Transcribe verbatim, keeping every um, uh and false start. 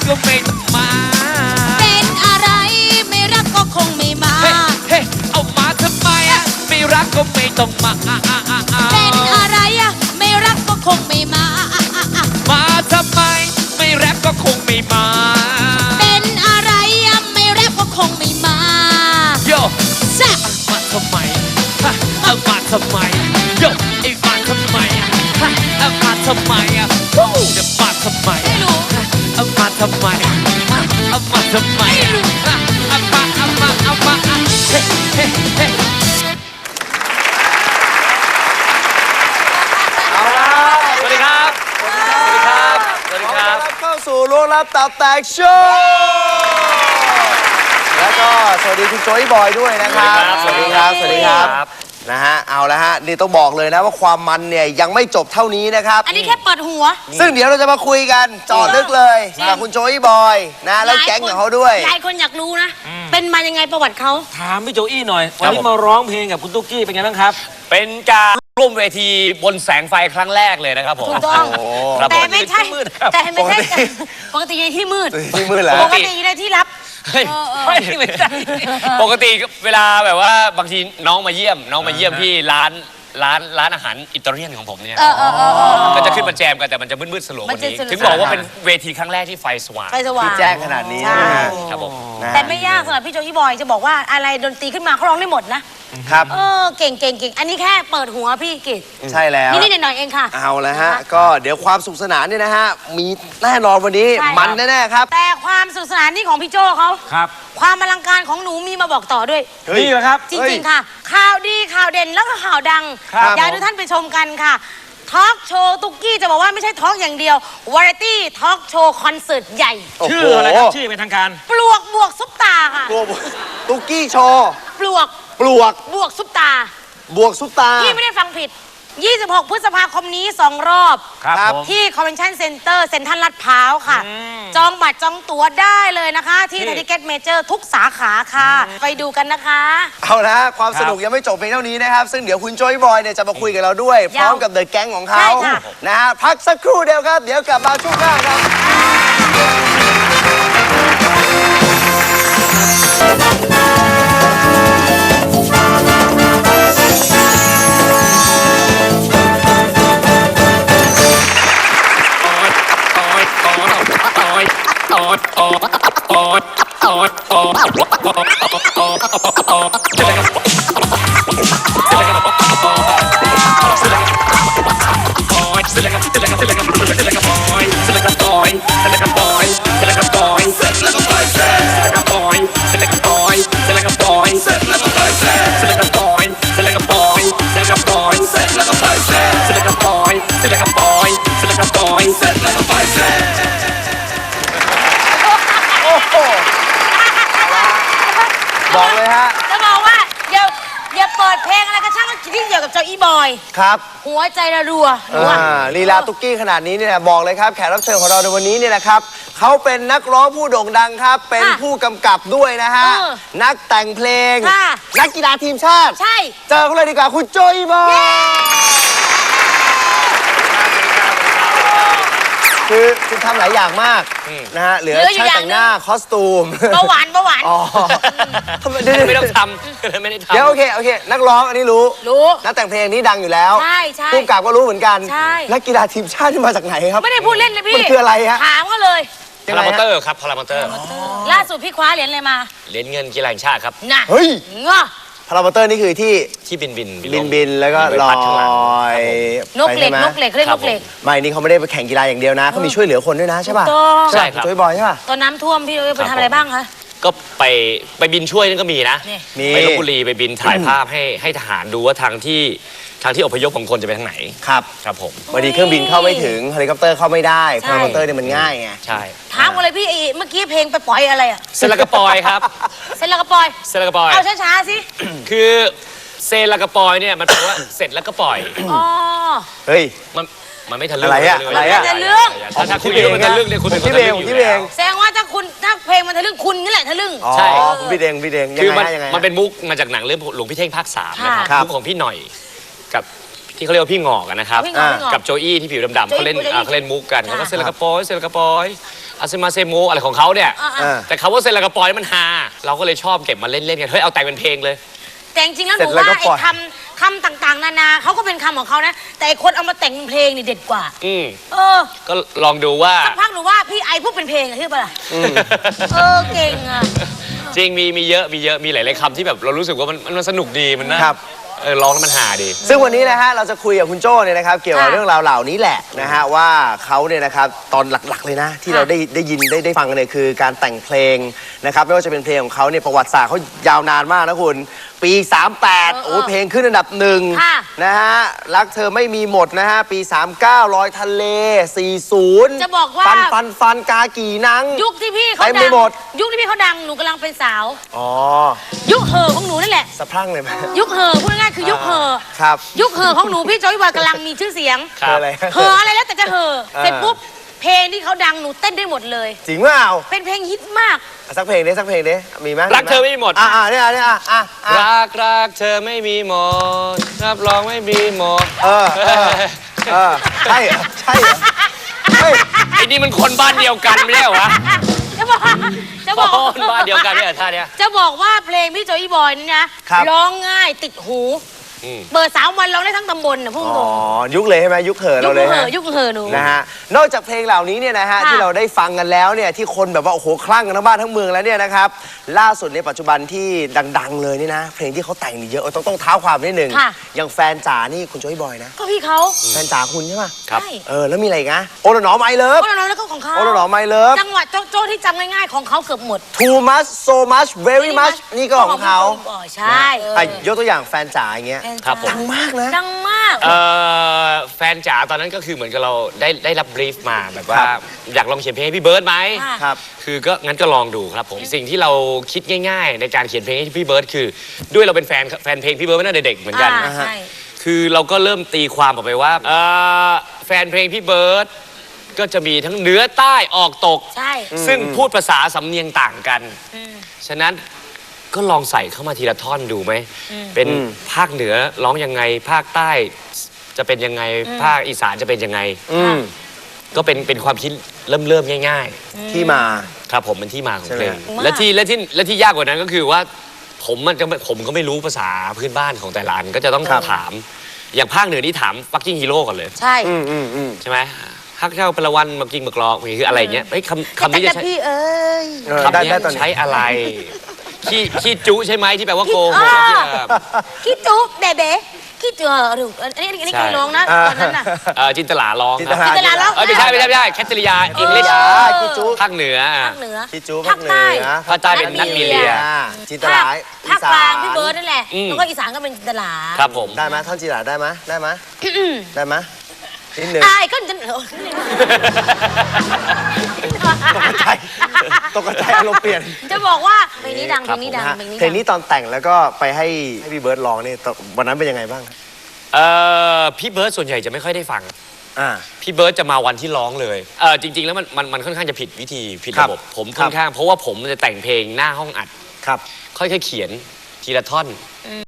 ก็ไม่ต้องมาเป็นอะไรไม่รักก็คงไม่มาเฮ้เอามาทำไมอะไม่รักก็ไม่ต้องมาเป็นอะไรอะไม่รักก็คงไม่มามาทำไมไม่แรปก็คงไม่มาเป็นอะไรอะไม่แรปก็คงไม่มาโยแซ่มาทำไมฮะเอามาทำไมโยไอ้มาทำไมอะฮะเอามาทำไมอะวู้เดี๋ยวมาทำไมไม่รู้เอามาทำไมเอามาทำไมไม่รู้เอามาเอามาเอามาเฮ้เฮ้เฮ้เอาละสวัสดีครับสวัสดีครับสวัสดีครับเข้าสู่ล้วงลับตับแตกโชว์แล้วก็สวัสดีคุณโจยบอยด้วยนะครับสวัสดีครับสวัสดีครับนะฮะเอาละฮะนี่ต้องบอกเลยนะว่าความมันเนี่ยยังไม่จบเท่านี้นะครับอันนี้แค่เปิดหัวซึ่งเดี๋ยวเราจะมาคุยกันจอดลึกเลยกับคุณโจยบอยนะแล้วแก๊งของเขาด้วยหลายคนอยากรู้นะเป็นมายังไงประวัติเขาถามพี่โจอี้หน่อยวันนี้มาร้องเพลงกับคุณตุ๊กกี้เป็นไงบ้างครับเป็นการร่วมเวทีบนแสงไฟครั้งแรกเลยนะครับผมถูกต้องแต่ไม่ใช่แต่ไม่ใช่ปกติในที่มืดที่มืดเหรอปกติในที่ลับไม่ไม่ใช่ปกติเวลาแบบว่าบางทีน้องมาเยี่ยมน้องมาเยี่ยมที่ร้านร้านร้านอาหารอิตาเลียนของผมเนี่ยก็จะขึ้นมาแจมกันแต่มันจะมืดๆสลัวกว่านี้ถึงบอกว่าเป็นเวทีครั้งแรกที่ไฟสว่างไฟสว่างที่แจ้งขนาดนี้ครับผมแต่ไม่ยากสำหรับพี่โจอี้บอยจะบอกว่าอะไรดนตรีขึ้นมาเขาร้องได้หมดนะครับเออเก่งเก่งเก่งอันนี้แค่เปิดหัวพี่กิตใช่แล้วนี่นิดหน่อยเองค่ะเอาละฮะก็เดี๋ยวความสุขสนานเนี่ยนะฮะมีแน่นอนวันนี้มันแน่ๆครับแต่ความสุขสนานนี่ของพี่โจเขาครับความอลังการของหนูมีมาบอกต่อด้วยนี่เหรอครับจริงๆค่ะข่าวดีข่าวเด่นแล้วก็ข่าวดังอยากให้ทุกท่านไปชมกันค่ะทอล์กโชว์ตุ๊กกี้จะบอกว่าไม่ใช่ทอล์กอย่างเดียววาไรตี้ทอล์กโชว์คอนเสิร์ตใหญ่ชื่ออะไรครับชื่อเป็นทางการปลวกบวกซุปตาค่ะตุ๊กกี้โชว์ปลวกปลวกบวกซุปตาบวกซุปตาพี่ไม่ได้ฟังผิดยี่สิบหกพฤษภาคมนี้สองรอบที่คอนเวนชั่นเซ็นเตอร์เซ็นทรัลลาดพร้าวค่ะจองบัตรจองตั๋วได้เลยนะคะที่ไทยทิเก็ตเมเจอร์ทุกสาขาค่ะไปดูกันนะคะเอาละความสนุกยังไม่จบเพียงเท่านี้นะครับซึ่งเดี๋ยวคุณโจยบอยเนี่ยจะมาคุยกับเราด้วยพร้อมกับเดอะแก๊งของเขานะฮะพักสักครู่เดียวครับเดี๋ยวกลับมาช่วงหน้าครับบอกเลยฮะจะบอกว่าอย่าอย่าเปิดเพลงอะไรก็ช่างที่เกี่ยวกับโจอี้บอยครับหัวใจระรัวลีลาตุ๊กกี้ขนาดนี้เนี่ยบอกเลยครับแขกรับเชิญของเราในวันนี้เนี่ยนะครับเขาเป็นนักร้องผู้โด่งดังครับเป็นผู้กำกับด้วยนะฮะนักแต่งเพลงนักกีฬาทีมชาติใช่เจอเขาเลยดีกว่าคุณโจอี้บอยคือคุณทำหลายอย่างมากนะฮะเหลือช่างแต่งหน้าคอสตูมเบาหวานเบาหวานอ๋อไม่ต้องทำไม่ได้ทำเดี๋ยวโอเคโอเคนักร้องอันนี้รู้รู้นักแต่งเพลงนี้ดังอยู่แล้วใช่ใช่ผู้กำกับก็รู้เหมือนกันใช่นักกีฬาทีมชาติที่มาจากไหนครับไม่ได้พูดเล่นเลยพี่มันคืออะไรฮะถามก็เลยพารามอเตอร์ครับพารามอเตอร์ล่าสุดพี่คว้าเหรียญอะไรมาเหรียญเงินกีฬาแห่งชาติครับน่ะเฮ้ยเงาะพารามอเตอร์นี่คือที่ที่บินบินบินบินแล้วก็ลอยนกเหล็กนกเหล็กเรียกนกเหล็กไม่นี่เขาไม่ได้ไปแข่งกีฬาอย่างเดียวนะเขามีช่วยเหลือคนด้วยนะใช่ป่ะใช่ครับช่วยบอยใช่ป่ะตอนน้ำท่วมพี่ไปทำอะไรบ้างคะก็ไปไปบินช่วยนั่นก็มีนะไปลพบุรีไปบินถ่ายภาพให้ให้ทหารดูว่าทางที่ทางที่อพยพของคนจะไปทางไหนครับครับผมบางทีเครื่องบินเข้าไม่ถึงเฮลิคอปเตอร์เข้าไม่ได้พารามอเตอร์เนี่ยมันง่ายไงใช่ถามอะไรพี่เมื่อกี้เพลงไปปล่อยอะไรอะเซลกระปอยครับเซลกระปอยเซลกระปอยเอาช้าๆสิคือเซลกระปอยเนี่ยมันแปลว่าเสร็จแล้วก็ปล่อยอ๋อเฮ้ยมันมันไม่ทะลึ่งอะไรอะอะไรอะทะลึ่งถ้าคุณเองมันทะลึ่งเนี่ยคุณเป็นคนทะลึ่งอยู่แล้วแสดงว่าถ้าคุณถ้าเพลงมันทะลึ่งคุณนี่แหละทะลึ่งใช่คุณพี่เดงพี่เดงคือมันมันเป็นมุกมาจากหนังเรื่องหลวงพี่เท่งภาคสามนะครับมุกของพี่หน่อยกับที่เขาเรียกว่าพี่งอกนะครับกับโจอี้ที่ผิวดำๆเขาเล่นเขาเล่นมุกกันเขาก็เซลกระปอยเซลกระปอยอาเซมาเซโมอะไรของเขาเนี่ยอ่าอ่าแต่คำว่าเซนลากระปอยนี่มันฮาเราก็เลยชอบเก็บมาเล่นๆกันเฮ้ยเอาแต่งเป็นเพลงเลยแต่จริงๆแล้วหเสร็นูจแล้วก็ว่าไอ้ปล่อยคำคำต่างๆ นานาเขาก็เป็นคำของเขานะ แต่ไอ้คนเอามาแต่งเป็นเพลงนี่เด็ดกว่าอืมเออก็ลองดูว่าสักพักหนูว่าพี่ไอพูดเป็นเพลงอะใช่ปะล่ะเออเก่งอะจริงมีมีเยอะมีเยอะมีหลายๆคำที่แบบเรารู้สึกว่ามันมันสนุกดีมันน่าครับเออร้องแล้วมันฮาดีซึ่งวันนี้นะฮะเราจะคุยกับคุณโจ้เนี่ยนะครับเกี่ยวกับค่ะเรื่องราวเหล่านี้แหละนะฮะว่าเขาเนี่ยนะครับตอนหลักๆเลยนะ ที่ค่ะเราได้ได้ยินได้ได้ฟังกันเนี่ยคือการแต่งเพลงนะครับไม่ว่าจะเป็นเพลงของเขาเนี่ยประวัติศาสตร์เขายาวนานมากนะคุณปี สามแปดเออเออโอ้เพลงขึ้นอันดับหนึ่งค่ะนะฮะรักเธอไม่มีหมดนะฮะปี สามเก้าลอยทะเล สี่สิบจะบอกว่าฟันฟันฟันกากี่นังยุคที่พี่เขาเต็มดัไปงหมดยุคที่พี่เขาดังหนูกำลังเป็นสาวอ๋อยุคเห่อของหนูนั่นแหละสะพรั่งเลยไหมยุคเห่อพูดง่ายๆคือยุคเห่อครับยุคเห่อของหนูพี่โจอยบอยกำลังมีชื่อเสียงครับอะไรเห่ออะไรแล้วแต่จะเห่อเออเสร็จปุ๊บเพลงที่เขาดังหนูเต้นได้หมดเลยจริงเปล่าเป็นเพลงฮิตมากสักเพลงดิสักเพลงดิมีไหมรักเธอไม่มีหมดอ่าอ่าเนี่ยเนี่ยอ่ะอ่ะอ่ะรักรักเธอไม่มีหมดรับรองไม่มีหมดเออเออเออใช่เหรอใช่เหรอเฮ้ยไอ้นี่มันคนบ้านเดียวกันไม่ใช่เหรอวะจะบอกจะบอกคนบ้านเดียวกันเนี่ยท่าเนี้ยจะบอกว่าเพลงพี่โจอยบอยนี่นะครับ ร้องง่ายติดหูอืมเปิดสามวันร้องได้ทั้งตำบลนะพูดอ๋ตอรงยุคเลยใช่ไหมยุคเห่อยุเราคเลยเห่ฮะอยุคเห่อหนูนะฮะนอกจากเพลงเหล่านี้เนี่ยนะฮะค่ะที่เราได้ฟังกันแล้วเนี่ยที่คนแบบว่าโอ้โหคลั่งกันทั้งบ้านทั้งเมืองแล้วเนี่ยนะครับล่าสุดในปัจจุบันที่ดัง ๆ เลยนี่นะ เพลงที่เขาแต่งนี่เยอะต้องต้องเท้าความนิดหนึ่งค่ะอย่างแฟนจ๋านี่คุณโจ้ยบอยนะก็พี่เขาแฟนจ๋าคุณใช่ไหมครับใช่เออแล้วมีอะไรอีกนะโอละหนอไมเลิฟก็เราแล้วก็ของเขาโอละหนอไมเลิฟจังหวัดโจ๊ะๆที่จำง่ายๆของเขาเกือบหมด too much so much very much นี่ก็ของเขาพี่โจอยบอยใช่อ่ะยกตัวอย่างแฟนจ๋าอย่างเงี้ยครับผมดังมากนะดังมากเอ่อแฟนจ๋าตอนนั้นก็คือเหมือนกับเราได้ได้รับบรีฟมาแบบว่าครับอยากลองเขียนเพลงให้พี่เบิร์ดไหมค่ะครับคือก็งั้นก็ลองดูครับผมสิ่งที่เราคิดง่ายๆ ในการเขียนเพลงให้พี่เบิร์ดคือด้วยเราเป็นแฟนแฟนเพลงพี่เบิร์ดมาตั้งแต่เด็กเหมือนกันอ่าใช่คือเราก็เริ่มตีความออกไปว่าเอ่อแฟนเพลงพี่เบิร์ดก็จะมีทั้งเหนือใต้ออกตกใช่ซึ่งพูดภาษาสำเนียงต่างกัน ฉะนั้นก็ลองใส่เข้ามาทีละท่อนดูไหม เป็นอืมภาคเหนือร้องยังไง ภาคใต้จะเป็นยังไง ภาคอีสานจะเป็นยังไงอืมก็เป็นเป็นความคิดเริ่มเริ่มๆง่ายที่มาๆ ครับผมเป็นที่มาของเพลงใช่ไหมและที่และที่และที่ยากกว่านั้นก็คือว่า ผมมันจะไม่ผมก็ไม่รู้ภาษาพื้นบ้านของแต่ละอันก็จะต้องครับถาม อย่างภาคเหนือนี่ถามฟักกิ้งฮีโร่ก่อนเลยใช่อืมอืมอืมใช่ไหมฮักเจ้าปละวันมากิงมากรอกคืออะไรอย่างเงี้ยเอ้ยคำคำนี้จะแต่ใช้พี่เอ้ยเออคำได้นี้ได้ตอนนี้ใช้อะไร ขี้ขี้จุใช่ไหมที่แปลว่าโกหกอ่าที่เอ่อคิดจุ๊บเบเบ้คิดจุ๊บหรืออันนี้อันนี้ใช่ใครร้องนะอ่าตอนนั้นน่ะเอ่อจินตลาร้องจินคตรับลาจินตลาร้องเอ้ยไม่ใช่ไม่ใช่ไม่ใช่แคทเธอรียาอังกฤษอ่าคิจูภาคเหนือภาคเหนือคิจูภาคใต้ภาคใต้เป็นนักมีเลียอ่าจินตภาลาคภาคกลางพี่เบิร์ดนั่นแหละอืมแล้วก็อีสานก็เป็นจินตลาครับผมได้ไหมท่อนจินตลาได้ไหมได้ไหมได้ไหมนิดหนึ่งอายก็จะตกใจตกใจอารมณ์เปลี่ยนจะบอกว่าเพลงนี้ดังเพครัลบงนี้ดังนะฮะเพลงนี้เพลงดันี้งตอนแต่งแล้วก็ไปให้ให้พี่เบิร์ดร้องเนี่ยตอนวันนั้นเป็นยังไงบ้างเอ่อพี่เบิร์ดส่วนใหญ่จะไม่ค่อยได้ฟังอ่าพี่เบิร์ดจะมาวันที่ร้องเลยเออจริง ๆ แล้วมันมันมันค่อนข้างจะผิดวิธีผิดครัระบบบผมครับค่อนข้างเพราะว่าผมจะแต่งเพลงหน้าห้องอัดครับค่อยๆเขียนทีละท่อน